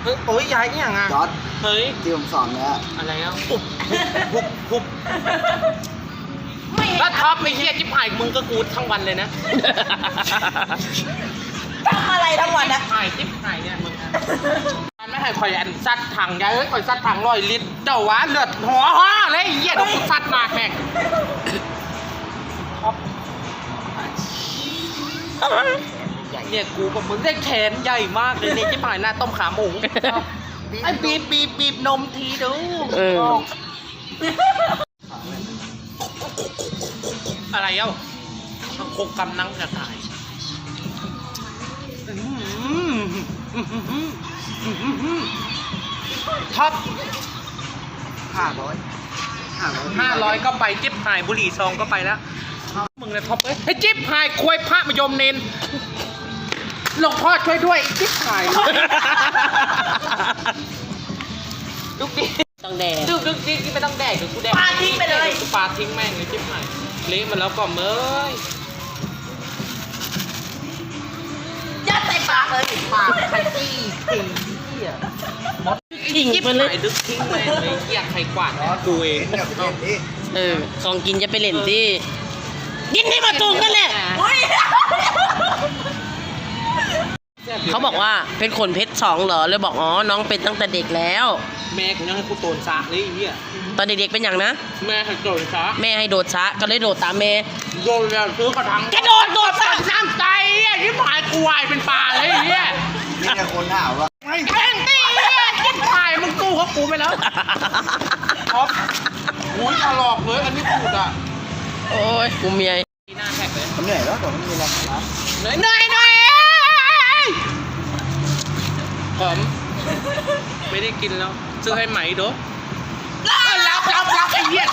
เฮ้ยโอ้ยยายเนี่ยไงจอร์ดเฮ้ยที่ผมสอนเนี่ยอะไรอ่ะหุบแล้วท็อปไม่เฮียจิ๊บหายมึงก็กูทั้งวันเลยนะทำอะไรทั้งวันนะหายจิ๊บหายเนี่ยมึงมันไม่ให้คอยอันซัดถังยายเอ้ยคอยซัดถัง100 ลิตรเจ้าวะเลือดหัวห่อเลยเฮียเดี๋ยวกูซัดมาแม่งท็อปเนี่ยกูกับมึงได้แขนใหญ่มากเลยเนี่ยจิ๊บหายหน้าต้มขาหมูไอ้บีบนมทีดู อะไรเอ้าโคกกำนังจะตายท็อป500ก็ไปจิ๊บหายบุหรี่ซองก็ไปแล้วมึงเลยท็อปเอ้ยให้จิ๊บหายควยพระมยมเนนหลวงพ่อช่วยด้วยจิ๊บหายลูกดิต้องแดงลูกดิไม่ต้องแดกเดี๋ยวกูแดกปาทิ้งไปเลยกูปาทิ้งแม่งเลยจิ๊บหายเละมันแล้วก็เมยยัดใส่ปากเลยปากไข่จี้ทิ้งเหี้ยทิ้งจิ๊บไปเลยหายดึกทิ้งเลยเหี้ยใครกวาดกูเองเนี่ยผมเล่นดิของกินจะไปเล่นที่กินให้มาถูกกันแหละเขาบอกว่าเป็นขนเพชร2เหรอเลยบอกอ๋อน้องเป็นตั้งแต่เด็กแล้วแม่กูยังให้กูโตนซากเลยไอ้เหี้ยตอนเด็กๆเป็นอย่างนะแม่ให้โตนซากแม่ให้โดดช้าก็เลยโดดตามแม่โดนแล้วซื้อกระถางกระโดดโดดตัดน้ำใจอ่ะที่หายกูวายเป็นปลาเลยไอ้เหี้ยนี่เนี่ยคนถามว่าแม่งตีอ่ะที่หายมึงกู้เขากูไปแล้วท็อปหูยถลอกเลยอันนี้พูดอ่ะโอ้ยกูเมียหน้าแท็กเลยผมเหนื่อยแล้วผมไม่มีแรงนะเหนื่อยผมไม่ได้กินแล้วซื้อให้ไหมดูรับไอ้เหี้ย